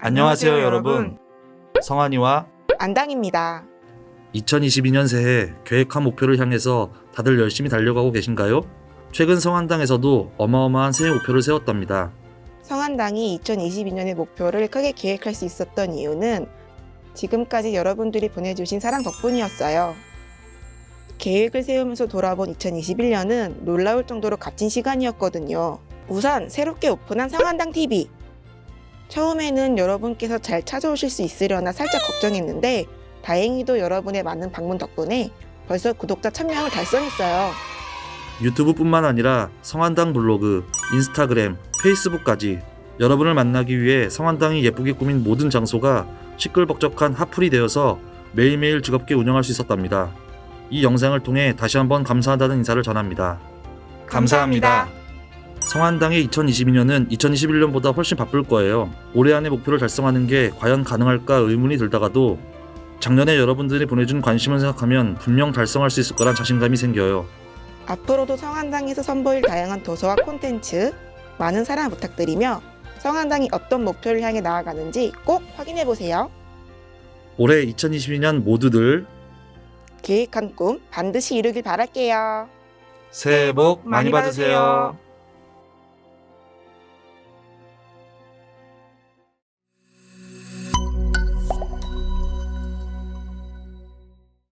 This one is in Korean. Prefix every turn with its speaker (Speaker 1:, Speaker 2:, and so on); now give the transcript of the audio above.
Speaker 1: 안녕하세요 여러분. 성환이와
Speaker 2: 안당입니다.
Speaker 1: 2022년 새해 계획한 목표를 향해서 다들 열심히 달려가고 계신가요? 최근 성한당에서도 어마어마한 새해 목표를 세웠답니다.
Speaker 2: 성한당이 2022년의 목표를 크게 계획할 수 있었던 이유는 지금까지 여러분들이 보내주신 사랑 덕분이었어요. 계획을 세우면서 돌아본 2021년은 놀라울 정도로 값진 시간이었거든요. 우선 새롭게 오픈한 성한당 TV. 처음에는 여러분께서 잘 찾아오실 수 있으려나 살짝 걱정했는데 다행히도 여러분의 많은 방문 덕분에 벌써 구독자 1000명을 달성했어요.
Speaker 1: 유튜브뿐만 아니라 성한당 블로그, 인스타그램, 페이스북까지 여러분을 만나기 위해 성한당이 예쁘게 꾸민 모든 장소가 시끌벅적한 핫플이 되어서 매일매일 즐겁게 운영할 수 있었답니다. 이 영상을 통해 다시 한번 감사하다는 인사를 전합니다.
Speaker 2: 감사합니다.
Speaker 1: 성한당의 2022년은 2021년보다 훨씬 바쁠 거예요. 올해 안에 목표를 달성하는 게 과연 가능할까 의문이 들다가도 작년에 여러분들이 보내준 관심을 생각하면 분명 달성할 수 있을 거란 자신감이 생겨요.
Speaker 2: 앞으로도 성한당에서 선보일 다양한 도서와 콘텐츠 많은 사랑 부탁드리며 성한당이 어떤 목표를 향해 나아가는지 꼭 확인해보세요.
Speaker 1: 올해 2022년 모두들
Speaker 2: 계획한 꿈 반드시 이루길 바랄게요.
Speaker 1: 새해 복 많이 받으세요.